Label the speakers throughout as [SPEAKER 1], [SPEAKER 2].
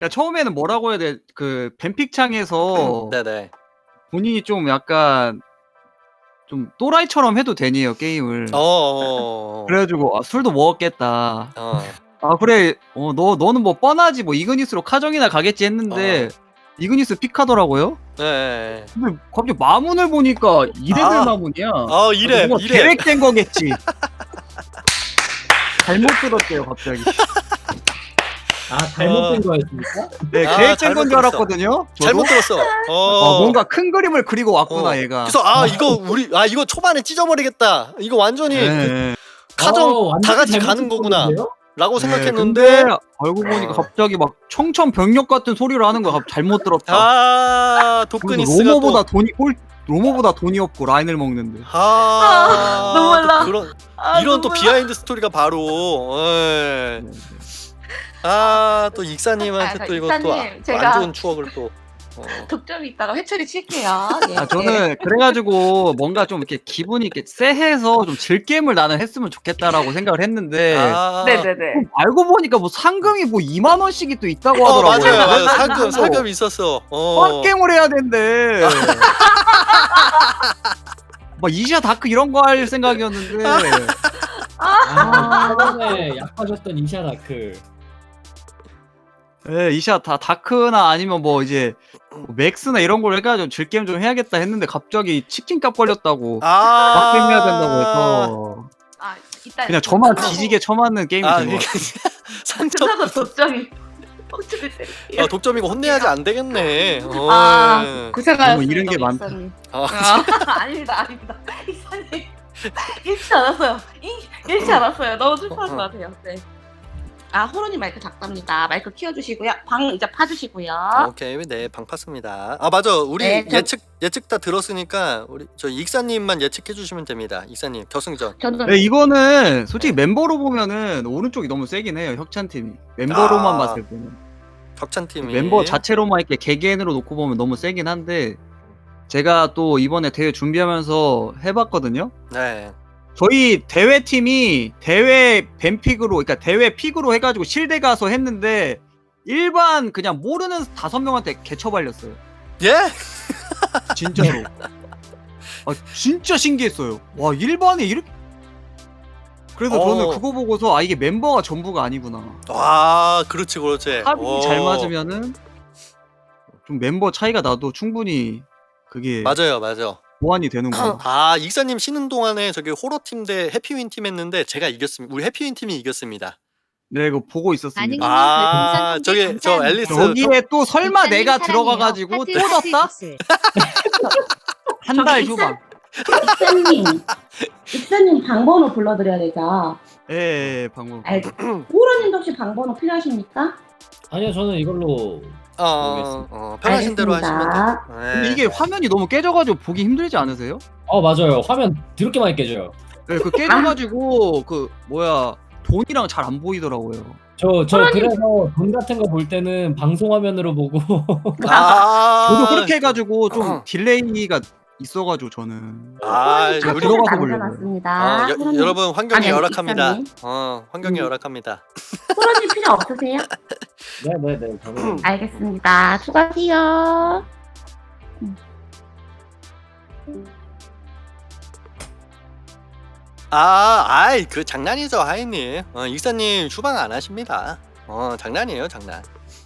[SPEAKER 1] 그러니까 처음에는 뭐라고 해야 돼? 그 뱀픽창에서
[SPEAKER 2] 네네.
[SPEAKER 1] 본인이 좀 약간 좀 또라이처럼 해도 되니요 게임을. 그래가지고 아, 술도 먹었겠다. 아 그래, 너는 뭐 뻔하지 뭐 이그니스로 카정이나 가겠지 했는데 이그니스 픽하더라고요.
[SPEAKER 2] 네.
[SPEAKER 1] 근데 갑자기 마문을 보니까 2레벨 마문이야.
[SPEAKER 2] 이래.
[SPEAKER 1] 뭔가 계획된 거겠지. 잘못 들었대요 갑자기.
[SPEAKER 3] 아 잘못된 거였습니까?
[SPEAKER 1] 네, 계획된 건 줄 알았거든요. 저도?
[SPEAKER 2] 잘못 들었어.
[SPEAKER 1] 뭔가 큰 그림을 그리고 왔구나 얘가.
[SPEAKER 2] 그래서 이거 초반에 찢어버리겠다. 이거 완전히
[SPEAKER 1] 네.
[SPEAKER 2] 카정 다 같이 가는 거구나. 라고 생각했는데
[SPEAKER 1] 근데 알고 보니까 갑자기 막 청천벽력 같은 소리를 하는 거야. 잘못 들었다.
[SPEAKER 2] 도크니스가
[SPEAKER 1] 로모보다 돈이 없고 라인을 먹는데.
[SPEAKER 4] 눈물 나.
[SPEAKER 2] 이런 또 비하인드 스토리가 바로 또 익사님한테 또 이것도 안 좋은 추억을 또
[SPEAKER 4] 득점이 있다가 회초리 칠게요. 예.
[SPEAKER 1] 저는 그래가지고 뭔가 좀 이렇게 기분이 이렇게 쎄해서 좀 즐겜을 나는 했으면 좋겠다라고 생각을 했는데
[SPEAKER 4] 네네네.
[SPEAKER 1] 알고 보니까 뭐 상금이 뭐 2만 원씩이 또 있다고 하더라고요.
[SPEAKER 2] 맞아요. 상금 있었어.
[SPEAKER 1] 빡겜을 해야 된대. 막 이시아 다크 이런 거 할 생각이었는데.
[SPEAKER 3] 저번에 약하셨던 이시아 다크.
[SPEAKER 1] 네, 이시아 다크나 아니면 뭐 이제 맥스나 이런 걸 해가지고 즐겜 좀 해야겠다 했는데 갑자기 치킨값 걸렸다고 빡겜 해야 된다고 해서 그냥 저만 뒤지게 쳐맞는 게임이 된 것 같아요.
[SPEAKER 4] 상처도 독점이
[SPEAKER 2] 독점이고 혼내야지 안 되겠네.
[SPEAKER 4] 고생하셨습니다.
[SPEAKER 1] 너무 이런 게 많다.
[SPEAKER 4] 아닙니다. 이사님 잃지 않았어요. 잃지 않았어요. 너무 슬퍼할 것 같아요. 네. 호로님 마이크 작답니다. 마이크 키워주시고요. 방 이제 파주시고요.
[SPEAKER 2] 오케이, 네, 방 팠습니다. 맞아, 우리
[SPEAKER 4] 네,
[SPEAKER 2] 예측 다 들었으니까 우리 저 익사님만 예측해 주시면 됩니다. 익사님 결승전.
[SPEAKER 1] 네, 이거는 솔직히 멤버로 보면은 오른쪽이 너무 세긴 해요. 혁찬 팀이 멤버로만 봤을 때는.
[SPEAKER 2] 혁찬 팀이
[SPEAKER 1] 멤버 자체로만 이렇게 개개인으로 놓고 보면 너무 세긴 한데 제가 또 이번에 대회 준비하면서 해봤거든요.
[SPEAKER 2] 네.
[SPEAKER 1] 저희 대회팀이 대회 뱀픽으로, 그러니까 대회 픽으로 해가지고 실대 가서 했는데 일반 그냥 모르는 5명한테 개처발렸어요.
[SPEAKER 2] 예?
[SPEAKER 1] 진짜로. 진짜 신기했어요. 와, 일반에 이렇게. 그래서 저는 그거 보고서 이게 멤버가 전부가 아니구나.
[SPEAKER 2] 그렇지.
[SPEAKER 1] 합이 잘 맞으면은 좀 멤버 차이가 나도 충분히 그게
[SPEAKER 2] 맞아요.
[SPEAKER 1] 보완이 되는구나.
[SPEAKER 2] 익사님 쉬는 동안에 저기 호러팀 대 해피윈 팀 했는데 제가 이겼습니다. 우리 해피윈 팀이 이겼습니다.
[SPEAKER 1] 네, 이거 보고 있었습니다.
[SPEAKER 2] 저기 저 앨리스
[SPEAKER 1] 여기에 또 설마 내가 들어가가지고 또 졌다? 한 달 후반.
[SPEAKER 5] 익사님 방번호 불러드려야 되죠?
[SPEAKER 1] 예, 방금.
[SPEAKER 5] 호로님도 혹시 방번호 필요하십니까?
[SPEAKER 3] 아니요, 저는 이걸로
[SPEAKER 2] 편하신 대로 하시면 돼요.
[SPEAKER 1] 근데 이게 화면이 너무 깨져가지고 보기 힘들지 않으세요?
[SPEAKER 3] 맞아요. 화면 드럽게 많이 깨져요.
[SPEAKER 1] 네, 그 깨져가지고 돈이랑 잘 안 보이더라고요.
[SPEAKER 3] 저 그래서 돈 같은 거 볼 때는 방송 화면으로 보고.
[SPEAKER 1] 저도 그렇게 해가지고 좀 딜레이가 있어가지고 저는.
[SPEAKER 5] 제가
[SPEAKER 1] 들어가서 보려고요.
[SPEAKER 2] 여러분 환경이 열악합니다.
[SPEAKER 5] 익사님.
[SPEAKER 2] 환경이 열악합니다.
[SPEAKER 5] 호로님 필요 없으세요?
[SPEAKER 3] 네네네. 저는
[SPEAKER 5] 알겠습니다. 수고하세요.
[SPEAKER 2] 그 장난이죠, 하이님. 익사님 휴방 안 하십니다. 장난이에요, 장난.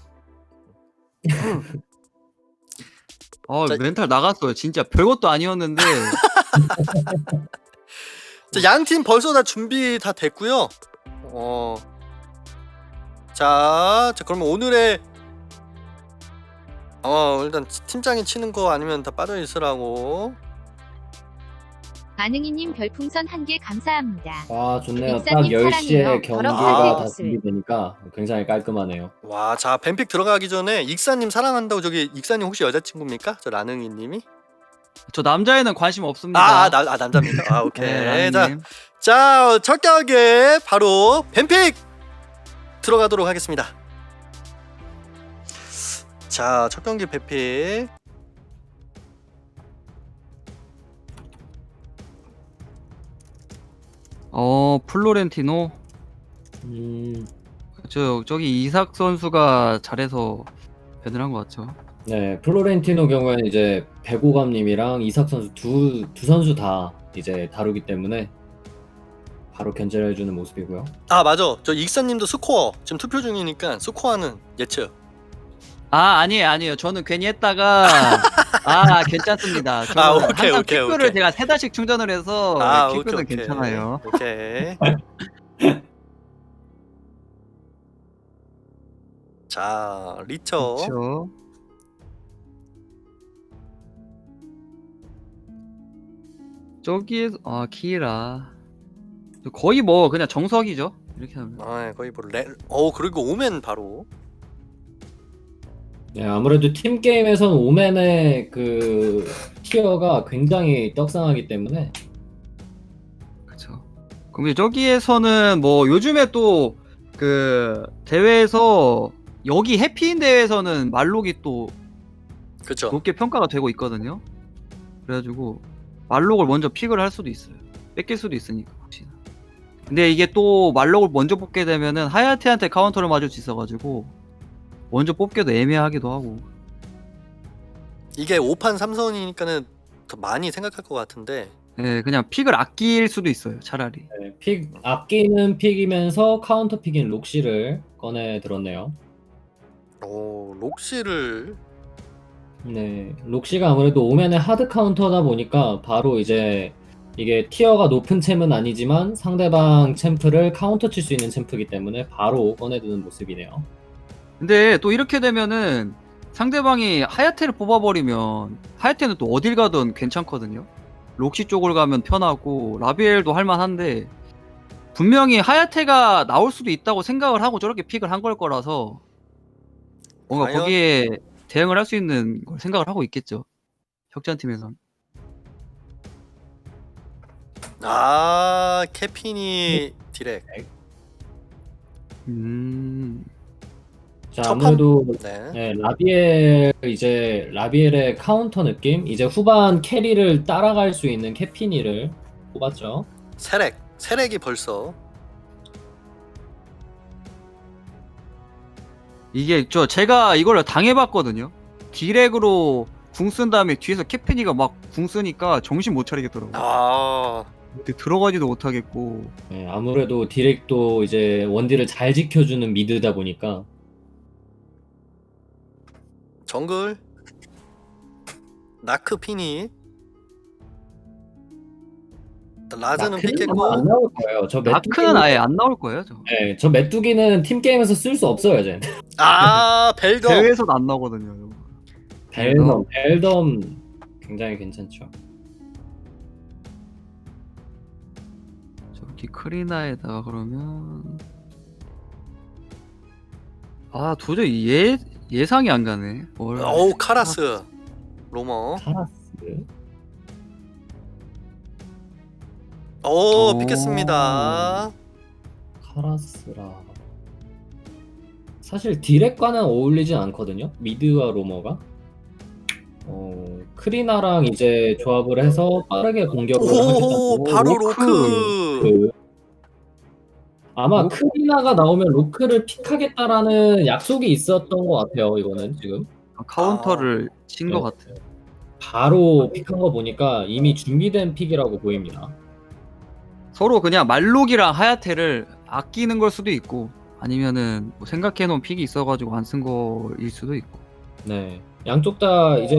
[SPEAKER 1] 멘탈 나갔어요. 진짜 별것도 아니었는데.
[SPEAKER 2] 양 팀 벌써 다 준비 다 됐고요. 자, 그러면 오늘의 일단 팀장이 치는 거 아니면 다 빠져 있으라고.
[SPEAKER 6] 반응이님 별풍선 1개 감사합니다.
[SPEAKER 3] 좋네요. 딱
[SPEAKER 6] 익사님
[SPEAKER 3] 10시에
[SPEAKER 6] 사랑해요.
[SPEAKER 3] 경기가
[SPEAKER 6] 더럽게
[SPEAKER 3] 다
[SPEAKER 6] 없을.
[SPEAKER 3] 준비되니까 굉장히 깔끔하네요.
[SPEAKER 2] 자, 뱀픽 들어가기 전에 익사님 사랑한다고 저기 익사님 혹시 여자친구입니까? 저 라능이님이?
[SPEAKER 1] 저 남자애는 관심 없습니다.
[SPEAKER 2] 남자입니다. 오케이.
[SPEAKER 1] 네,
[SPEAKER 2] 자, 첫 경기에 바로 뱀픽 들어가도록 하겠습니다. 자, 첫 경기 뱀픽.
[SPEAKER 1] 플로렌티노. 저기 이삭 선수가 잘해서 밴을 한 것 같죠.
[SPEAKER 3] 네, 플로렌티노 경우에는 이제 배고감님이랑 이삭 선수 두 선수 다 이제 다루기 때문에 바로 견제를 해주는 모습이고요.
[SPEAKER 2] 아 맞아. 저 익사님도 스코어 지금 투표 중이니까 스코어는 예측.
[SPEAKER 1] 아니에요. 저는 괜히 했다가 괜찮습니다. 저는
[SPEAKER 2] 오케이,
[SPEAKER 1] 항상
[SPEAKER 2] 오케이,
[SPEAKER 1] 킥뷰를
[SPEAKER 2] 오케이.
[SPEAKER 1] 제가 3달씩 충전을 해서 킥뷰는 괜찮아요.
[SPEAKER 2] 오케이. 자 리처.
[SPEAKER 1] 그렇죠. 저기에서 키라 거의 뭐 그냥 정석이죠. 이렇게 하면.
[SPEAKER 2] 거의 뭐 그리고 오면 바로.
[SPEAKER 3] 네, 아무래도 팀 게임에서는 오맨의 그 티어가 굉장히 떡상하기 때문에
[SPEAKER 1] 그렇죠. 그럼 이제 저기에서는 뭐 요즘에 또 그 대회에서 여기 해피인 대회에서는 말록이 또
[SPEAKER 2] 그쵸.
[SPEAKER 1] 높게 평가가 되고 있거든요. 그래가지고 말록을 먼저 픽을 할 수도 있어요. 뺏길 수도 있으니까 혹시나. 근데 이게 또 말록을 먼저 뽑게 되면은 하야테한테 카운터를 맞을 수 있어가지고 먼저 뽑기도 애매하기도 하고.
[SPEAKER 2] 이게 5판 3선이니까는 더 많이 생각할 것 같은데.
[SPEAKER 1] 네, 그냥 픽을 아낄 수도 있어요. 차라리.
[SPEAKER 3] 네, 픽 아끼는 픽이면서 카운터 픽인 록시를 꺼내 들었네요.
[SPEAKER 2] 록시를.
[SPEAKER 3] 네, 록시가 아무래도 오맨의 하드 카운터다 보니까 바로 이제 이게 티어가 높은 챔은 아니지만 상대방 챔프를 카운터 칠 수 있는 챔프이기 때문에 바로 꺼내드는 모습이네요.
[SPEAKER 1] 근데 또 이렇게 되면은 상대방이 하야테를 뽑아버리면 하야테는 또 어딜 가든 괜찮거든요. 록시 쪽을 가면 편하고 라비엘도 할만한데 분명히 하야테가 나올 수도 있다고 생각을 하고 저렇게 픽을 한 걸 거라서 뭔가
[SPEAKER 2] 과연?
[SPEAKER 1] 거기에 대응을 할 수 있는 걸 생각을 하고 있겠죠. 혁찬팀에선.
[SPEAKER 2] 캐핀이 디렉.
[SPEAKER 3] 자,
[SPEAKER 2] 첫
[SPEAKER 3] 아무래도
[SPEAKER 2] 네.
[SPEAKER 3] 네, 라비엘의 카운터 느낌, 이제 후반 캐리를 따라갈 수 있는 캐피니를 뽑았죠.
[SPEAKER 2] 세렉이 벌써.
[SPEAKER 1] 이게 제가 이걸 당해봤거든요. 디렉으로 궁 쓴 다음에 뒤에서 캐피니가 막 궁 쓰니까 정신 못 차리겠더라고요. 근데 들어가지도 못하겠고.
[SPEAKER 3] 네, 아무래도 디렉도 이제 원딜을 잘 지켜주는 미드다 보니까
[SPEAKER 2] 정글 나크 피니. 라즈는
[SPEAKER 3] 나크는
[SPEAKER 2] 픽했고.
[SPEAKER 3] 아마 안 나올 거예요.
[SPEAKER 1] 마크는 아예 안 나올 거예요.
[SPEAKER 3] 네, 저 메뚜기는 팀 게임에서 쓸 수 없어요, 쟤.
[SPEAKER 2] 벨더.
[SPEAKER 1] 대회에서도 안 나오거든요.
[SPEAKER 3] 벨덤 굉장히 괜찮죠.
[SPEAKER 1] 저기 크리나에다가 그러면 도저히 예상이 안 가네.
[SPEAKER 2] 카라스. 로머.
[SPEAKER 3] 카라스.
[SPEAKER 2] 픽했습니다.
[SPEAKER 3] 카라스라. 사실 디렉과는 어울리진 않거든요. 미드와 로머가. 크리나랑 이제 조합을 해서 빠르게 공격을 하겠다고.
[SPEAKER 2] 바로 로크.
[SPEAKER 3] 아마 크리나가 나오면 로크를 픽하겠다라는 약속이 있었던 것 같아요. 이거는 지금
[SPEAKER 1] 카운터를 친 것 같아요.
[SPEAKER 3] 바로 픽한 거 보니까 이미 준비된 픽이라고 보입니다.
[SPEAKER 1] 서로 그냥 말록이랑 하야테를 아끼는 걸 수도 있고 아니면은 뭐 생각해놓은 픽이 있어가지고 안 쓴 거일 수도 있고.
[SPEAKER 3] 네, 양쪽 다 이제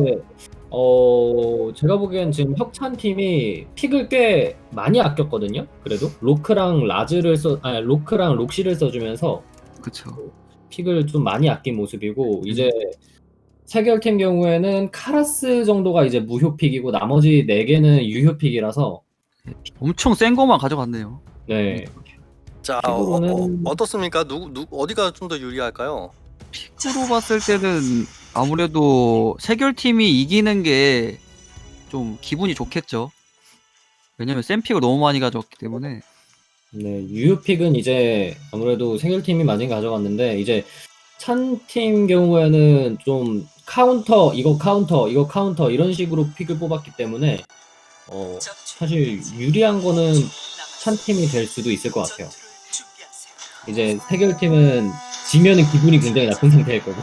[SPEAKER 3] 제가 보기엔 지금 혁찬 팀이 픽을 꽤 많이 아꼈거든요. 그래도 로크랑 록시를 써주면서
[SPEAKER 1] 그쵸.
[SPEAKER 3] 픽을 좀 많이 아낀 모습이고 이제 세결팀 경우에는 카라스 정도가 이제 무효픽이고 나머지 4개는 유효픽이라서
[SPEAKER 1] 엄청 센 거만 가져갔네요.
[SPEAKER 3] 네.
[SPEAKER 2] 자,
[SPEAKER 3] 픽으로는
[SPEAKER 2] 어떻습니까? 어디가 좀 더 유리할까요?
[SPEAKER 1] 픽으로 봤을 때는 아무래도 세결팀이 이기는 게 좀 기분이 좋겠죠. 왜냐면 센 픽을 너무 많이 가져왔기 때문에.
[SPEAKER 3] 네, 유효픽은 이제 아무래도 세결팀이 많이 가져갔는데 이제 찬팀 경우에는 좀 이거 카운터 이런 식으로 픽을 뽑았기 때문에 사실 유리한 거는 찬팀이 될 수도 있을 것 같아요. 이제 세결팀은 지면은 기분이 굉장히 나쁜 상태일 거고.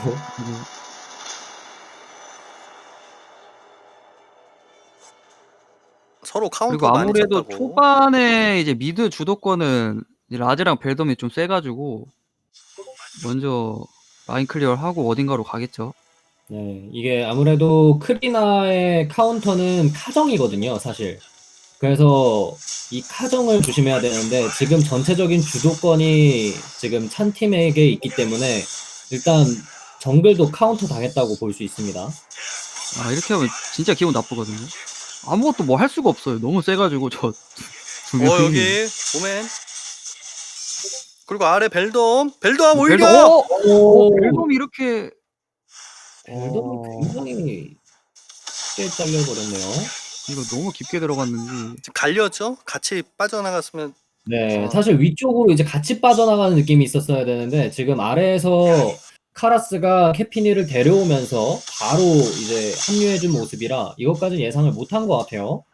[SPEAKER 2] 서로
[SPEAKER 1] 그리고
[SPEAKER 2] 카운터 많이
[SPEAKER 1] 아무래도
[SPEAKER 2] 쳤다고.
[SPEAKER 1] 초반에 이제 미드 주도권은 이제 라즈랑 벨덤이 좀 세가지고 먼저 라인 클리어를 하고 어딘가로 가겠죠.
[SPEAKER 3] 네, 이게 아무래도 크리나의 카운터는 카정이거든요, 사실. 그래서 이 카정을 조심해야 되는데 지금 전체적인 주도권이 지금 찬 팀에게 있기 때문에 일단 정글도 카운터 당했다고 볼 수 있습니다.
[SPEAKER 1] 아 이렇게 하면 진짜 기분 나쁘거든요. 아무것도 뭐 할 수가 없어요. 너무 세가지고 저 두 명이.
[SPEAKER 2] 여기 오멘. 그리고 아래 벨돔
[SPEAKER 1] 벨덤,
[SPEAKER 2] 오히려
[SPEAKER 1] 벨덤이 이렇게
[SPEAKER 3] 벨덤이 굉장히 쉽게 잘려버렸네요.
[SPEAKER 1] 이거 너무 깊게 들어갔는지.
[SPEAKER 2] 지금 갈렸죠? 같이 빠져나갔으면
[SPEAKER 3] 네,
[SPEAKER 2] 아.
[SPEAKER 3] 사실 위쪽으로 이제 같이 빠져나가는 느낌이 있었어야 되는데 지금 아래에서 카라스가 캐피니를 데려오면서 바로 이제 합류해준 모습이라 이것까지는 예상을 못한 것 같아요.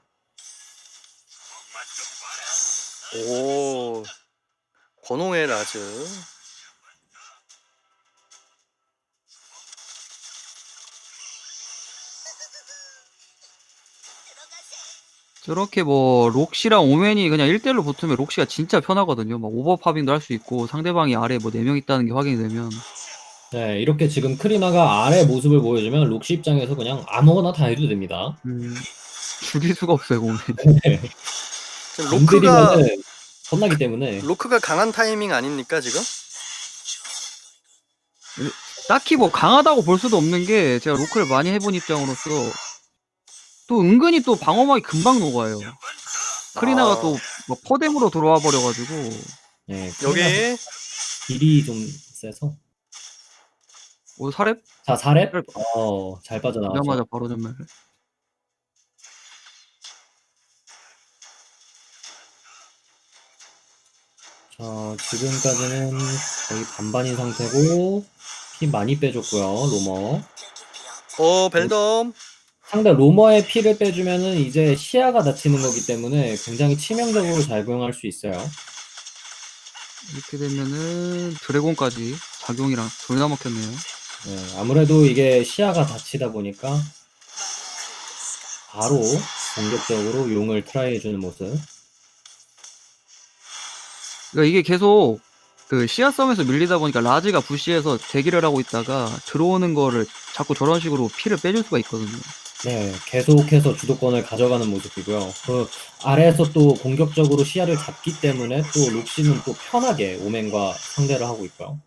[SPEAKER 2] 오 권홍의 라즈.
[SPEAKER 1] 저렇게 뭐 록시랑 오맨이 그냥 1대1로 붙으면 록시가 진짜 편하거든요. 막 오버파빙도 할 수 있고 상대방이 아래 뭐 4명 있다는 게 확인이 되면
[SPEAKER 3] 네, 이렇게 지금 크리나가 아래 모습을 보여주면 록시 입장에서 그냥 아무거나 다 해도 됩니다.
[SPEAKER 1] 죽일 수가 없어요, 오맨.
[SPEAKER 2] 지금
[SPEAKER 3] 안
[SPEAKER 2] 로크가
[SPEAKER 3] 들이면은 혼나기 때문에.
[SPEAKER 2] 로크가 강한 타이밍 아닙니까 지금?
[SPEAKER 1] 딱히 뭐 강하다고 볼 수도 없는 게 제가 로크를 많이 해본 입장으로서 또 은근히 또 방어막이 금방 녹아요. 크리나가 또 막 퍼뎀으로 들어와 버려가지고.
[SPEAKER 3] 네,
[SPEAKER 2] 여기
[SPEAKER 3] 딜이 좀 세서.
[SPEAKER 1] 오 사렙?
[SPEAKER 3] 자, 4렙?
[SPEAKER 1] 사렙.
[SPEAKER 3] 잘 빠져나왔죠.
[SPEAKER 1] 오자마자 바로 전멸.
[SPEAKER 3] 자, 지금까지는 거의 반반인 상태고 피 많이 빼줬고요, 로머.
[SPEAKER 2] 벨덤
[SPEAKER 3] 상대 로머의 피를 빼주면은 이제 시야가 닫히는 거기 때문에 굉장히 치명적으로 작용할 수 있어요.
[SPEAKER 1] 이렇게 되면은 드래곤까지 작용이랑 둘 다 먹혔네요.
[SPEAKER 3] 네, 아무래도 이게 시야가 닫히다 보니까 바로 공격적으로 용을 트라이 해주는 모습.
[SPEAKER 1] 그러니까 이게 계속 그 시야 싸움에서 밀리다 보니까 라즈가 부시에서 대기를 하고 있다가 들어오는 거를 자꾸 저런 식으로 피를 빼줄 수가 있거든요.
[SPEAKER 3] 네, 계속해서 주도권을 가져가는 모습이고요. 그 아래에서 또 공격적으로 시야를 잡기 때문에 또 록시는 또 편하게 오맨과 상대를 하고 있고요.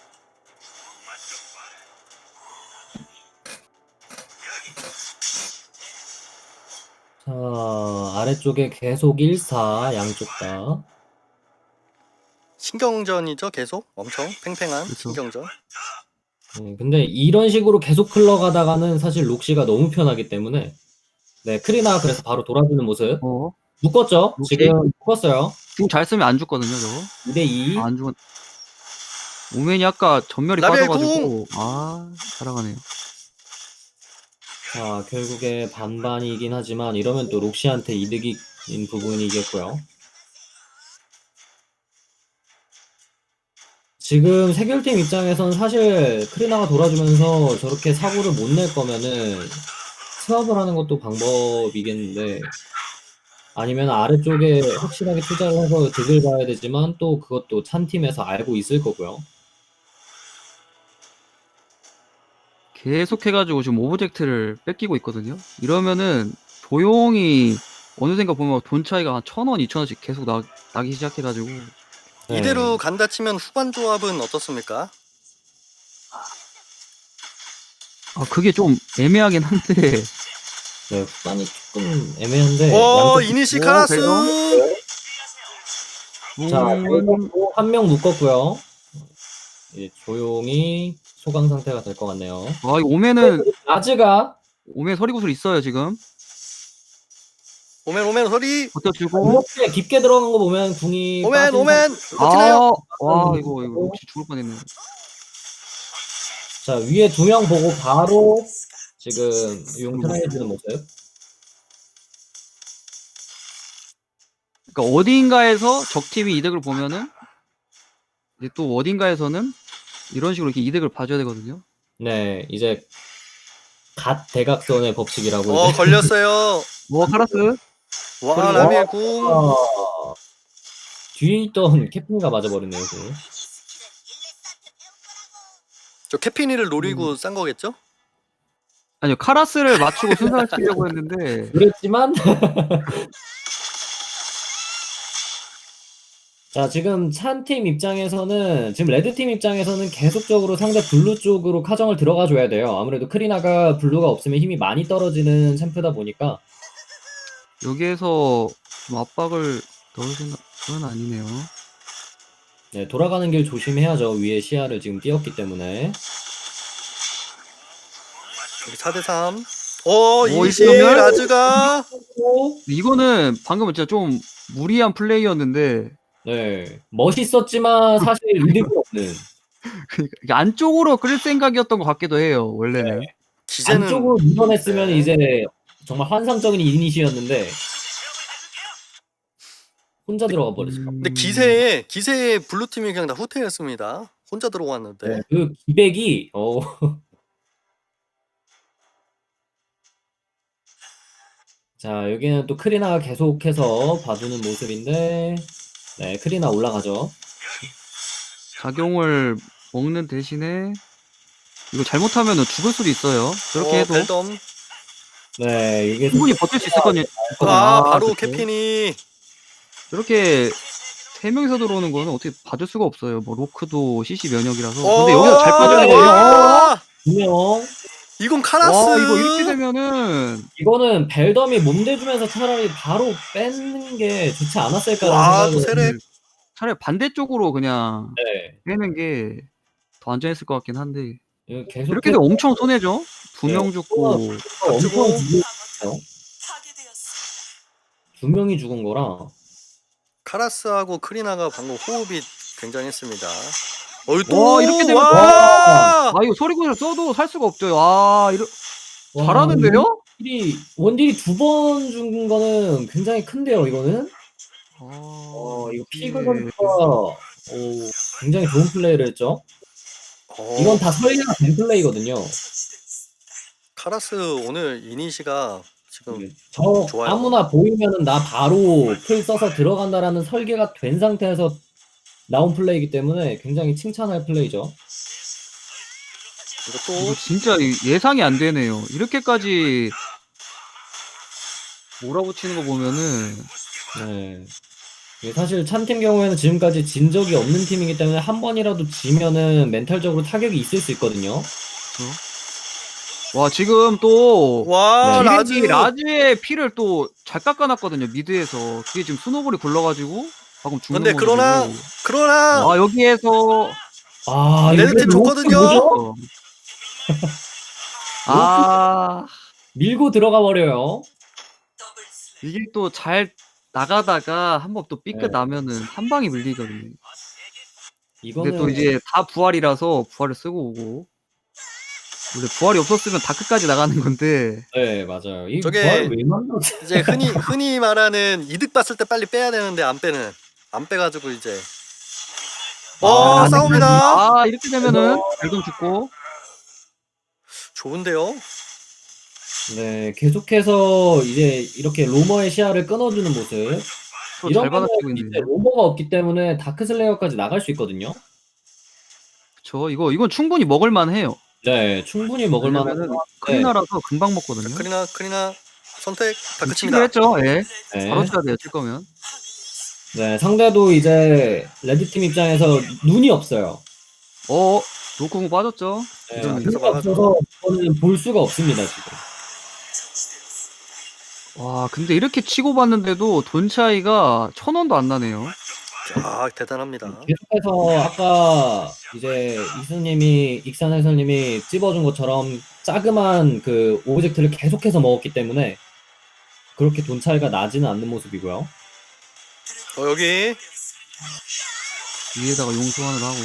[SPEAKER 3] 자, 아래쪽에 계속 1사 양쪽 다.
[SPEAKER 2] 신경전이죠 계속 엄청 팽팽한
[SPEAKER 1] 그쵸.
[SPEAKER 2] 신경전.
[SPEAKER 3] 근데 이런 식으로 계속 흘러가다가는 사실 록시가 너무 편하기 때문에 네, 크리나가 그래서 바로 돌아주는 모습. 묶었죠?
[SPEAKER 1] 록시?
[SPEAKER 3] 지금 묶었어요.
[SPEAKER 1] 지금 잘 쓰면 안 죽거든요, 저거.
[SPEAKER 3] 2대2.
[SPEAKER 1] 안 죽은. 오맨이 아까 전멸이
[SPEAKER 2] 라벨
[SPEAKER 1] 빠져가지고 살아가네요.
[SPEAKER 3] 자, 결국에 반반이긴 하지만 이러면 또 록시한테 이득인 부분이겠고요. 지금 세결팀 입장에선 사실 크리나가 돌아주면서 저렇게 사고를 못 낼 거면은 스왑을 하는 것도 방법이겠는데 아니면 아래쪽에 확실하게 투자를 해서 득을 봐야 되지만 또 그것도 찬 팀에서 알고 있을 거고요.
[SPEAKER 1] 계속 해가지고 지금 오브젝트를 뺏기고 있거든요. 이러면은 조용히 어느샌가 보면 돈 차이가 한 1,000원, 2,000원씩 계속 나기 시작해가지고
[SPEAKER 3] 네.
[SPEAKER 2] 이대로 간다 치면 후반 조합은 어떻습니까?
[SPEAKER 1] 그게 좀 애매하긴 한데
[SPEAKER 3] 네, 후반이 조금 애매한데
[SPEAKER 2] 이니시 카라스
[SPEAKER 3] 자, 한 명 묶었고요. 이제 조용히 소강 상태가 될 것 같네요.
[SPEAKER 1] 이거 오면은
[SPEAKER 3] 라즈가
[SPEAKER 1] 오면 서리구슬 있어요 지금.
[SPEAKER 2] 오멘 소리
[SPEAKER 1] 버텨주고.
[SPEAKER 3] 이렇게 깊게 들어간 거 보면 궁이
[SPEAKER 2] 오멘
[SPEAKER 3] 빠진
[SPEAKER 1] 이거 혹시 죽을 뻔했네.
[SPEAKER 3] 자, 위에 2명 보고 바로 지금 용 트라이해주는 모습.
[SPEAKER 1] 그러니까 어딘가에서 적팀이 이득을 보면은 이제 또 어딘가에서는 이런 식으로 이렇게 이득을 봐줘야 되거든요.
[SPEAKER 3] 네, 이제 갓 대각선의 법칙이라고 이제.
[SPEAKER 2] 걸렸어요.
[SPEAKER 1] 카라스.
[SPEAKER 2] 와, 라미의 궁.
[SPEAKER 3] 아, 뒤에 있던 캐프가 맞아버렸네요. 그.
[SPEAKER 2] 저 캐피니를 노리고 싼 거겠죠?
[SPEAKER 1] 아니요, 카라스를 맞추고 순삭을 치려고 했는데
[SPEAKER 3] 그랬지만 자, 지금 찬팀 입장에서는 지금 레드팀 입장에서는 계속적으로 상대 블루 쪽으로 카정을 들어가 줘야 돼요. 아무래도 크리나가 블루가 없으면 힘이 많이 떨어지는 챔프다 보니까.
[SPEAKER 1] 여기에서 좀 압박을 넣을 생각은 아니네요.
[SPEAKER 3] 네, 돌아가는 길 조심해야죠. 위에 시야를 지금 띄웠기 때문에.
[SPEAKER 2] 여기 4대3. 이시
[SPEAKER 1] 이러면?
[SPEAKER 2] 라즈가.
[SPEAKER 1] 이거는 방금 진짜 좀 무리한 플레이였는데
[SPEAKER 3] 네, 멋있었지만 사실 의미가 없는.
[SPEAKER 1] 그러니까 이게 안쪽으로 끌 생각이었던 것 같기도 해요. 원래는.
[SPEAKER 2] 기세는
[SPEAKER 3] 안쪽으로 밀어냈으면
[SPEAKER 2] 네.
[SPEAKER 3] 이제 정말 환상적인 이니시였는데 혼자 들어가 버렸어요.
[SPEAKER 2] 근데 기세에 블루팀이 그냥 다 후퇴했습니다. 혼자 들어왔는데.
[SPEAKER 3] 네, 그 기백이 자, 여기는 또 크리나가 계속해서 봐주는 모습인데, 네, 크리나 올라가죠.
[SPEAKER 1] 작용을 먹는 대신에 이거 잘못하면 죽을 수도 있어요. 저렇게 해도
[SPEAKER 2] 벨덤.
[SPEAKER 3] 네, 이게
[SPEAKER 1] 충분히 버틸 수 있었거든요.
[SPEAKER 2] 바로
[SPEAKER 1] 그쵸.
[SPEAKER 2] 캐피니.
[SPEAKER 1] 저렇게 세 명이서 들어오는 거는 어떻게 봐줄 수가 없어요. 뭐 로크도 CC 면역이라서. 근데 여기서 잘 빠져야 되거든요.
[SPEAKER 2] 와,
[SPEAKER 3] 분명
[SPEAKER 2] 이건 카라스.
[SPEAKER 1] 와, 이거 이렇게 되면은
[SPEAKER 3] 이거는 벨덤이 몸대주면서 차라리 바로 뺏는 게 좋지 않았을까라는
[SPEAKER 2] 와, 또
[SPEAKER 3] 생각을.
[SPEAKER 2] 세렉.
[SPEAKER 1] 차라리 반대쪽으로 그냥
[SPEAKER 3] 네,
[SPEAKER 1] 빼는 게 더 안전했을 것 같긴 한데
[SPEAKER 3] 이거 계속
[SPEAKER 1] 이렇게 되면 엄청 손해죠. 두 명
[SPEAKER 3] 네.
[SPEAKER 1] 죽고
[SPEAKER 3] 엄청 죽은 거예요. 두 명이 죽은 거라.
[SPEAKER 2] 카라스하고 크리나가 방금 호흡이 굉장했습니다.
[SPEAKER 1] 와, 이렇게 되면
[SPEAKER 2] 와!
[SPEAKER 1] 이거 소리군을 써도 살 수가 없죠. 와,
[SPEAKER 3] 와,
[SPEAKER 1] 잘하는데요?
[SPEAKER 3] 원딜이 두 번 죽은 거는 굉장히 큰데요, 이거는. 이거
[SPEAKER 1] 이게-
[SPEAKER 3] 피그 선수가 굉장히 좋은 플레이를 했죠. 이건 다 설계가 된 플레이거든요.
[SPEAKER 2] 카라스 오늘 이니시가 지금
[SPEAKER 3] 저
[SPEAKER 2] 좋아요.
[SPEAKER 3] 아무나 보이면은 나 바로 풀 써서 들어간다라는 설계가 된 상태에서 나온 플레이이기 때문에 굉장히 칭찬할 플레이죠.
[SPEAKER 2] 이것도
[SPEAKER 1] 이거 진짜 예상이 안 되네요. 이렇게까지 몰아붙이는 거 보면은
[SPEAKER 3] 네. 이게 사실 찬팀 경우에는 지금까지 진 적이 없는 팀이기 때문에 한 번이라도 지면은 멘탈적으로 타격이 있을 수 있거든요.
[SPEAKER 1] 와, 지금 또
[SPEAKER 2] 와,
[SPEAKER 3] 네.
[SPEAKER 1] 라즈의 피를 또 잘 깎아놨거든요. 미드에서 그게 지금 스노볼이 굴러가지고 방금 죽는
[SPEAKER 2] 근데
[SPEAKER 1] 모습이고.
[SPEAKER 2] 그러나
[SPEAKER 1] 여기에서
[SPEAKER 2] 레드팀
[SPEAKER 3] 이거
[SPEAKER 2] 좋거든요.
[SPEAKER 3] 뭐죠? 밀고 들어가 버려요.
[SPEAKER 1] 이게 또 잘 나가다가 한번 또 삐끗
[SPEAKER 3] 네.
[SPEAKER 1] 나면은 한 방이 밀리거든요. 근데
[SPEAKER 3] 이거는
[SPEAKER 1] 또 이제 다 부활이라서 부활을 쓰고 오고. 원래 부활이 없었으면 다크까지 나가는 건데.
[SPEAKER 3] 네, 맞아요. 이
[SPEAKER 2] 저게
[SPEAKER 3] 부활 왜 만들었지?
[SPEAKER 2] 이제 흔히 말하는 이득 봤을 때 빨리 빼야 되는데 안 빼가지고 이제 싸웁니다.
[SPEAKER 1] 이렇게 되면은 발동 죽고.
[SPEAKER 2] 좋은데요.
[SPEAKER 3] 네, 계속해서 이제 이렇게 로머의 시야를 끊어주는 모습.
[SPEAKER 1] 또
[SPEAKER 3] 이런
[SPEAKER 1] 잘 받아치고
[SPEAKER 3] 거는 이제
[SPEAKER 1] 있는데.
[SPEAKER 3] 로머가 없기 때문에 다크슬레이어까지 나갈 수 있거든요.
[SPEAKER 1] 그쵸. 이건 충분히 먹을만 해요.
[SPEAKER 3] 네, 충분히 먹을 만한.
[SPEAKER 1] 왜냐면은 크리나라서 금방 먹거든요.
[SPEAKER 2] 크리나 선택 다크칩니다.
[SPEAKER 1] 치기로 했죠. 예.
[SPEAKER 3] 네.
[SPEAKER 1] 바로 쳐야 돼요. 칠 거면.
[SPEAKER 3] 네, 상대도 이제 레드팀 입장에서 눈이 없어요.
[SPEAKER 1] 로콩 빠졌죠.
[SPEAKER 3] 네,
[SPEAKER 2] 이러면
[SPEAKER 3] 눈이
[SPEAKER 2] 계속 막아줘.
[SPEAKER 3] 없어서 이거는 볼 수가 없습니다, 지금.
[SPEAKER 1] 와, 근데 이렇게 치고 봤는데도 돈 차이가 1,000원도 안 나네요.
[SPEAKER 2] 대단합니다.
[SPEAKER 3] 계속해서 아까 이제 익산 해설님이 찝어준 것처럼 자그만 그 오브젝트를 계속해서 먹었기 때문에 그렇게 돈 차이가 나지는 않는 모습이고요.
[SPEAKER 2] 여기
[SPEAKER 1] 위에다가 용소환을 하고.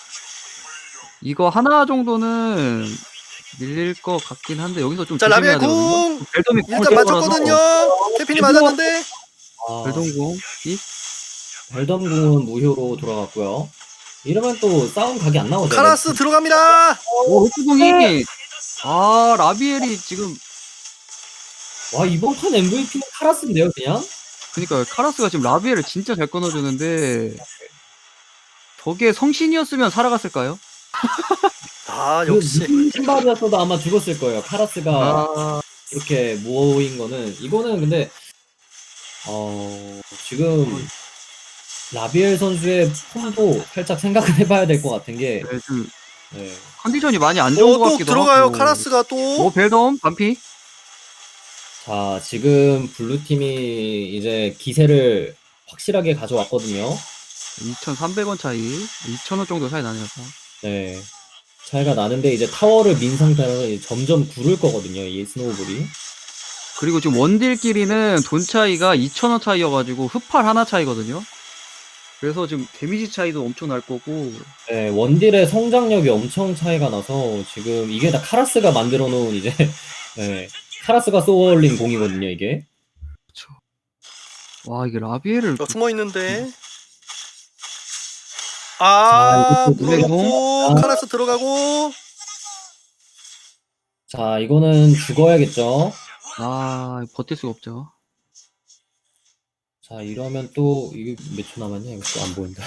[SPEAKER 1] 이거 하나 정도는 밀릴 것 같긴 한데 여기서 좀
[SPEAKER 2] 자
[SPEAKER 1] 조심해야
[SPEAKER 2] 라비의
[SPEAKER 1] 되거든요.
[SPEAKER 2] 궁
[SPEAKER 1] 벨덤이
[SPEAKER 2] 일단 맞췄거든요. 캐핀이 맞았는데
[SPEAKER 3] 아,
[SPEAKER 1] 벨덤공.
[SPEAKER 3] 벨덤궁은 무효로 돌아갔고요. 이러면 또 싸움 각이 안 나오죠.
[SPEAKER 2] 카라스 들어갑니다.
[SPEAKER 1] 오 록스공이 아 라비엘이 지금
[SPEAKER 3] 와 이번 판 MVP는 카라스인데요 그냥?
[SPEAKER 1] 그러니까 카라스가 지금 라비엘을 진짜 잘 끊어주는데 저게 성신이었으면 살아갔을까요?
[SPEAKER 2] 아 역시
[SPEAKER 3] 무슨 신발이었어도 아마 죽었을 거예요. 카라스가
[SPEAKER 1] 아
[SPEAKER 3] 이렇게 모인 거는 이거는 근데 지금 라비엘 선수의 폼도 살짝 생각을 해봐야 될 것 같은 게
[SPEAKER 1] 네, 좀
[SPEAKER 3] 네.
[SPEAKER 1] 컨디션이 많이 안 좋은 것
[SPEAKER 2] 또
[SPEAKER 1] 같기도
[SPEAKER 2] 들어가요.
[SPEAKER 1] 하고.
[SPEAKER 2] 카라스가 또.
[SPEAKER 1] 오 벨덤 반피.
[SPEAKER 3] 자 지금 블루팀이 이제 기세를 확실하게 가져왔거든요.
[SPEAKER 1] 2,300원 차이, 2,000원 정도 차이 나네요.
[SPEAKER 3] 네. 차이가 나는데 이제 타워를 민 상태로 이제 점점 구를 거거든요. 이 스노우볼이.
[SPEAKER 1] 그리고 지금 원딜끼리는 돈 차이가 2,000원 차이여가지고 흡팔 하나 차이거든요. 그래서 지금 데미지 차이도 엄청 날 거고.
[SPEAKER 3] 네, 원딜의 성장력이 엄청 차이가 나서 지금 이게 다 카라스가 만들어 놓은 이제 네, 카라스가 쏘어올린 공이거든요, 이게.
[SPEAKER 1] 와 이게 라비엘을
[SPEAKER 2] 숨어 있는데.
[SPEAKER 3] 자, 이것도
[SPEAKER 2] 물어놓고
[SPEAKER 3] 아.
[SPEAKER 2] 카라스 들어가고.
[SPEAKER 3] 자, 이거는 죽어야겠죠.
[SPEAKER 1] 아 버틸 수가 없죠.
[SPEAKER 3] 자, 이러면 또 이게 몇 초 남았냐? 이거 또 안 보인다.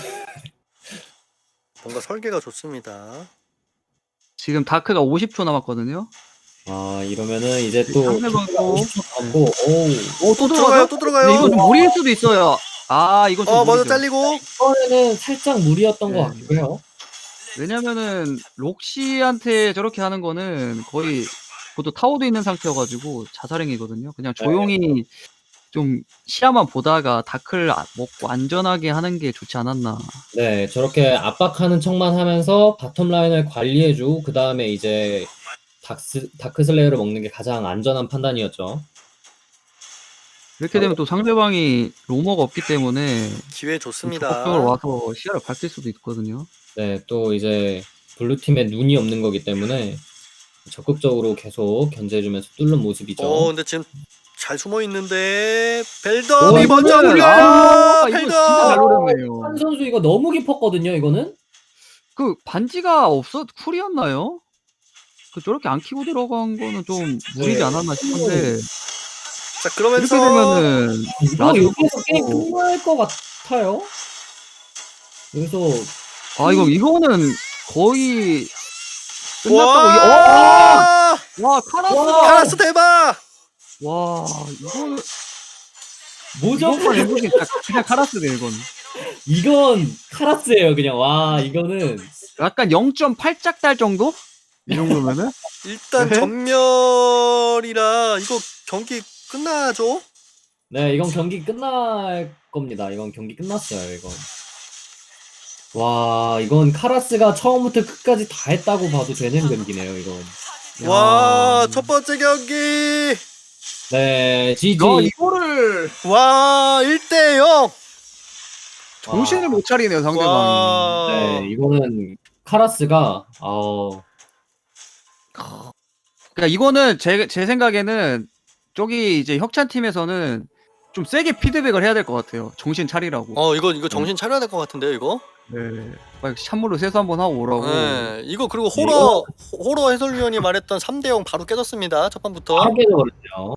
[SPEAKER 2] 뭔가 설계가 좋습니다.
[SPEAKER 1] 지금 다크가 50초 남았거든요.
[SPEAKER 3] 아, 이러면은 이제 또
[SPEAKER 1] 상대방 또
[SPEAKER 3] 50초 남고 오우.
[SPEAKER 1] 또
[SPEAKER 2] 들어가요. 또
[SPEAKER 1] 근데
[SPEAKER 2] 들어가요.
[SPEAKER 1] 이건 좀 무리일 수도 있어요. 아 이건 좀
[SPEAKER 2] 먼저
[SPEAKER 1] 무리죠.
[SPEAKER 2] 잘리고.
[SPEAKER 3] 이번에는 살짝 무리였던
[SPEAKER 1] 네.
[SPEAKER 3] 것 같기도 해요.
[SPEAKER 1] 왜냐면은 록시한테 저렇게 하는 거는 거의 그것도 타워도 있는 상태여가지고 자살행위거든요. 그냥 조용히 좀 시야만 보다가 다크를 먹고 안전하게 하는 게 좋지 않았나.
[SPEAKER 3] 네, 저렇게 압박하는 척만 하면서 바텀 라인을 관리해주고 그 다음에 이제 다크슬레이어를 먹는 게 가장 안전한 판단이었죠.
[SPEAKER 1] 이렇게 되면 또 상대방이 로머가 없기 때문에
[SPEAKER 2] 기회 좋습니다.
[SPEAKER 1] 적극적으로 와서 시야를 밝힐 수도 있거든요.
[SPEAKER 3] 네, 또 이제 블루팀에 눈이 없는 거기 때문에 적극적으로 계속 견제해주면서 뚫는 모습이죠.
[SPEAKER 2] 근데 지금 잘 숨어 있는데 벨덤이
[SPEAKER 1] 이거는-
[SPEAKER 2] 먼저 물려요.
[SPEAKER 1] 아, 이거 진짜 잘
[SPEAKER 2] 벨덤.
[SPEAKER 1] 노렸네요.
[SPEAKER 3] 한 선수 이거 너무 깊었거든요, 이거는?
[SPEAKER 1] 그 반지가 쿨이었나요? 그 저렇게 안 키고 들어간 거는 좀 무리지
[SPEAKER 3] 네.
[SPEAKER 1] 않았나 싶은데
[SPEAKER 2] 자
[SPEAKER 1] 이렇게
[SPEAKER 2] 그러면서
[SPEAKER 1] 되면은
[SPEAKER 3] 이거
[SPEAKER 1] 나중에
[SPEAKER 3] 여기서 게임
[SPEAKER 1] 또-
[SPEAKER 3] 끝날 것 같아요. 그래서
[SPEAKER 1] 아 이거는 거의 끝났다고
[SPEAKER 2] 와
[SPEAKER 1] 와 카라스
[SPEAKER 2] 카라스 대박.
[SPEAKER 1] 와 이거는
[SPEAKER 3] 뭐죠?
[SPEAKER 1] 이건 MVP 그냥 카라스네 이건
[SPEAKER 3] 이건 카라스예요, 그냥. 와, 이거는
[SPEAKER 1] 약간 0.8짝 달 정도? 이 정도면은
[SPEAKER 2] 일단
[SPEAKER 1] 네?
[SPEAKER 2] 전멸이라 이거 경기 끝나죠?
[SPEAKER 3] 네, 이건 경기 끝날 겁니다. 이건 경기 끝났어요, 이건. 와, 이건 카라스가 처음부터 끝까지 다 했다고 봐도 되는 경기네요, 이건.
[SPEAKER 2] 와 첫 번째 경기.
[SPEAKER 3] 네, GG.
[SPEAKER 1] 이거를
[SPEAKER 2] 와 1대0.
[SPEAKER 1] 정신을 못 차리네요 상대방이.
[SPEAKER 2] 와.
[SPEAKER 3] 네, 이거는 카라스가
[SPEAKER 1] 그러니까 이거는 제 생각에는 저기 이제 혁찬 팀에서는 좀 세게 피드백을 해야 될 것 같아요. 정신 차리라고.
[SPEAKER 2] 이거 정신 차려야 될 것 같은데요 이거?
[SPEAKER 1] 네. 빨리 찬물로 세수 한번 하고 오라고.
[SPEAKER 2] 네, 이거 그리고
[SPEAKER 3] 네,
[SPEAKER 2] 호러 해설위원이 말했던 3대0 바로 깨졌습니다. 첫 판부터.
[SPEAKER 3] 하게 되거든요.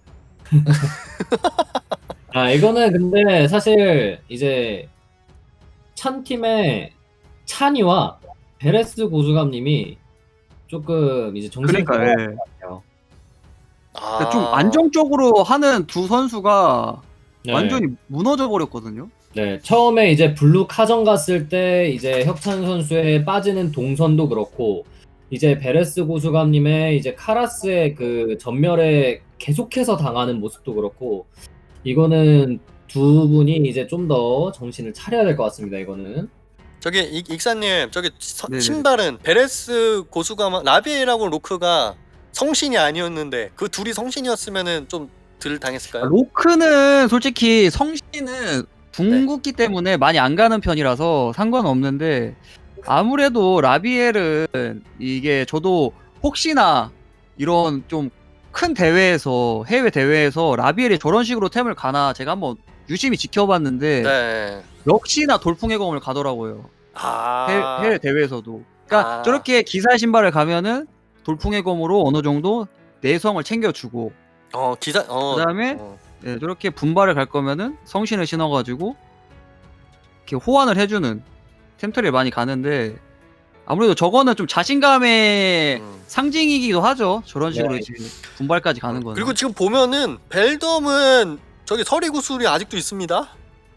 [SPEAKER 3] 아, 이거는 근데 사실 이제 찬 팀의 찬이와 베레스 고수감님이 조금 이제 정신을
[SPEAKER 1] 그러니까
[SPEAKER 3] 차려야
[SPEAKER 1] 예.
[SPEAKER 3] 돼요.
[SPEAKER 1] 그러니까 좀 안정적으로 하는 두 선수가
[SPEAKER 3] 네.
[SPEAKER 1] 완전히 무너져 버렸거든요.
[SPEAKER 3] 네, 처음에 이제 블루 카전 갔을 때 이제 혁찬 선수의 빠지는 동선도 그렇고 이제 베레스 고수감님의 이제 카라스의 그 전멸에 계속해서 당하는 모습도 그렇고 이거는 두 분이 이제 좀 더 정신을 차려야 될 것 같습니다. 이거는
[SPEAKER 2] 저기 익사님 저기
[SPEAKER 1] 네네.
[SPEAKER 2] 신발은 베레스 고수가 라비엘하고 로크가 성신이 아니었는데 그 둘이 성신이었으면은 좀 덜 당했을까요?
[SPEAKER 1] 로크는 솔직히 성신은 궁극기 때문에 많이 안 가는 편이라서 상관없는데 아무래도 라비엘은 이게 저도 혹시나 이런 좀 큰 대회에서 해외 대회에서 라비엘이 저런 식으로 템을 가나 제가 한번 유심히 지켜봤는데
[SPEAKER 2] 네.
[SPEAKER 1] 역시나 돌풍의 검을 가더라고요. 해외 대회에서도. 그러니까
[SPEAKER 2] 아.
[SPEAKER 1] 저렇게 기사 신발을 가면은 돌풍의 검으로 어느 정도 내성을 챙겨주고 그다음에 예, 저렇게 분발을 갈 거면은 성신을 신어가지고 이렇게 호환을 해주는 템트리를 많이 가는데 아무래도 저거는 좀 자신감의 상징이기도 하죠. 저런 식으로
[SPEAKER 3] 네.
[SPEAKER 1] 이제 분발까지 가는 거는.
[SPEAKER 2] 그리고 지금 보면은 벨덤은 저기 서리구슬이 아직도 있습니다.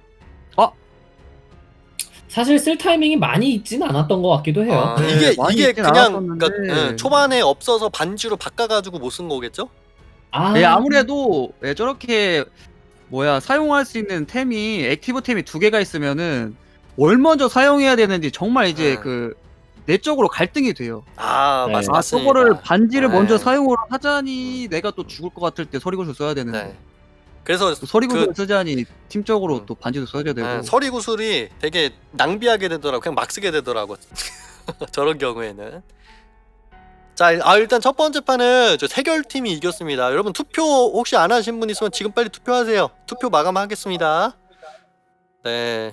[SPEAKER 3] 사실 쓸 타이밍이 많이 있진 않았던 것 같기도 해요.
[SPEAKER 1] 네,
[SPEAKER 2] 이게
[SPEAKER 1] 많이 있진
[SPEAKER 2] 그냥
[SPEAKER 1] 않았었는데.
[SPEAKER 2] 그러니까, 초반에 없어서 반지로 바꿔가지고 못 쓴 거겠죠?
[SPEAKER 1] 예, 아무래도 예, 저렇게 사용할 수 있는 템이 액티브 템이 2개가 있으면은 뭘 먼저 사용해야 되는지 정말 이제 그 내적으로 갈등이 돼요.
[SPEAKER 3] 네.
[SPEAKER 2] 맞습니다.
[SPEAKER 1] 저거를 반지를
[SPEAKER 2] 네.
[SPEAKER 1] 먼저 사용을 하자니 내가 또 죽을 것 같을 때 서리구슬 써야 되는데
[SPEAKER 2] 네. 그래서
[SPEAKER 1] 또 서리구슬 쓰자니 팀적으로 또 반지도 써야 되고.
[SPEAKER 2] 서리구슬이 되게 낭비하게 되더라고. 그냥 막 쓰게 되더라고. 저런 경우에는. 자, 일단 첫 번째 판은 저 세결팀이 이겼습니다. 여러분 투표 혹시 안 하신 분 있으면 지금 빨리 투표하세요. 투표 마감하겠습니다. 네.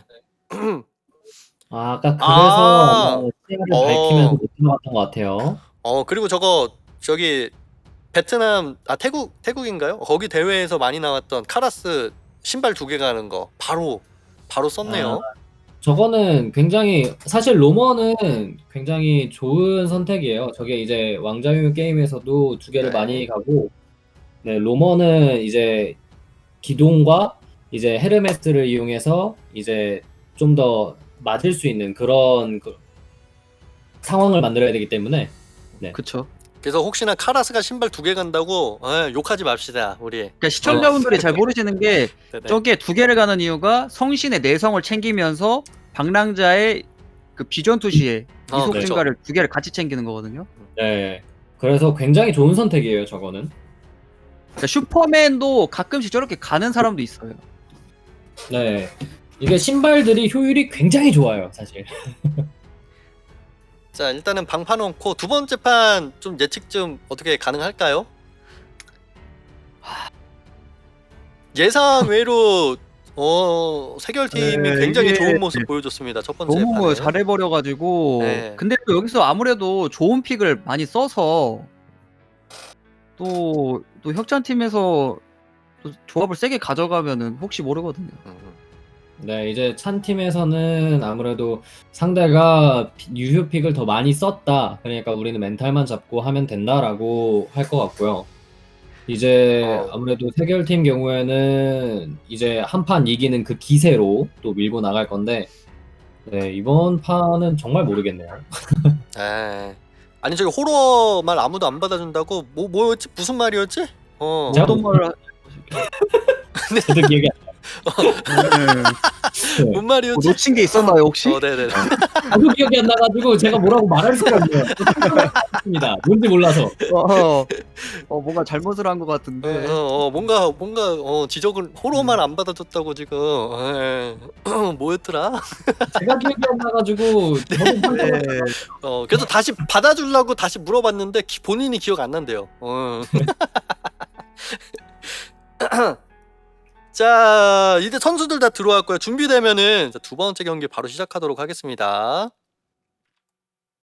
[SPEAKER 3] 아까 그래서 시야를
[SPEAKER 2] 어.
[SPEAKER 3] 밝히면서 못 들어갔던 것 같아요.
[SPEAKER 2] 그리고 저기 베트남 태국인가요? 거기 대회에서 많이 나왔던 카라스 신발 2개 가는 거 바로 썼네요.
[SPEAKER 3] 저거는 굉장히 사실 로머는 굉장히 좋은 선택이에요. 저게 이제 왕자유인 게임에서도 2개를
[SPEAKER 2] 네.
[SPEAKER 3] 많이 가고, 네, 로머는 이제 기동과 이제 헤르메스를 이용해서 이제 좀 더 맞을 수 있는 그런 상황을 만들어야 되기 때문에.
[SPEAKER 1] 그쵸.
[SPEAKER 2] 그래서 혹시나 카라스가 신발 2개 간다고 욕하지 맙시다 우리.
[SPEAKER 1] 그러니까 시청자분들이 잘 모르시는 게
[SPEAKER 2] 네네.
[SPEAKER 1] 저게 2개를 가는 이유가 성신의 내성을 챙기면서 방랑자의 그 비전 투시에 이속
[SPEAKER 2] 그렇죠.
[SPEAKER 1] 증가를 2개를 같이 챙기는 거거든요.
[SPEAKER 3] 네. 그래서 굉장히 좋은 선택이에요, 저거는.
[SPEAKER 1] 그러니까 슈퍼맨도 가끔씩 저렇게 가는 사람도 있어요.
[SPEAKER 3] 네. 이게 신발들이 효율이 굉장히 좋아요, 사실.
[SPEAKER 2] 자, 일단은 방판 놓고 두 번째 판 좀 예측 좀 어떻게 가능할까요? 예상 외로 세결팀이
[SPEAKER 1] 네,
[SPEAKER 2] 굉장히
[SPEAKER 1] 이게
[SPEAKER 2] 좋은 모습 보여줬습니다. 첫 번째
[SPEAKER 1] 너무
[SPEAKER 2] 판에.
[SPEAKER 1] 잘해버려가지고.
[SPEAKER 2] 네.
[SPEAKER 1] 근데 또 여기서 아무래도 좋은 픽을 많이 써서 또 혁찬팀에서 또 조합을 세게 가져가면은 혹시 모르거든요.
[SPEAKER 3] 네, 이제 찬 팀에서는 아무래도 상대가 유효픽을 더 많이 썼다. 그러니까 우리는 멘탈만 잡고 하면 된다라고 할 것 같고요. 이제 아무래도 세결팀 경우에는 이제 한 판 이기는 그 기세로 또 밀고 나갈 건데, 네, 이번 판은 정말 모르겠네요.
[SPEAKER 2] 네. 아니 저기 호러 말 아무도 안 받아준다고 뭐였지? 무슨 말이었지?
[SPEAKER 3] 제가
[SPEAKER 1] 어떤 말을
[SPEAKER 3] 저도 기억이 안
[SPEAKER 1] 네.
[SPEAKER 2] 뭔 말이었지?
[SPEAKER 1] 놓친 게 있었나요 혹시?
[SPEAKER 2] 네네.
[SPEAKER 3] 나도 기억이 안 나가지고 제가 뭐라고 말할 수가 없네요. 맞습니다. 뭔지 몰라서.
[SPEAKER 1] 뭔가 잘못을 한 것 같은데.
[SPEAKER 2] 뭔가 지적을 호러만 안 받아줬다고 지금. 뭐였더라?
[SPEAKER 3] 제가 기억이 안 나가지고 저도
[SPEAKER 1] 네.
[SPEAKER 2] 그래서 다시 받아주려고 다시 물어봤는데 본인이 기억 안 난대요. 자, 이제 선수들 다 들어왔고요. 준비되면은 두 번째 경기 바로 시작하도록 하겠습니다.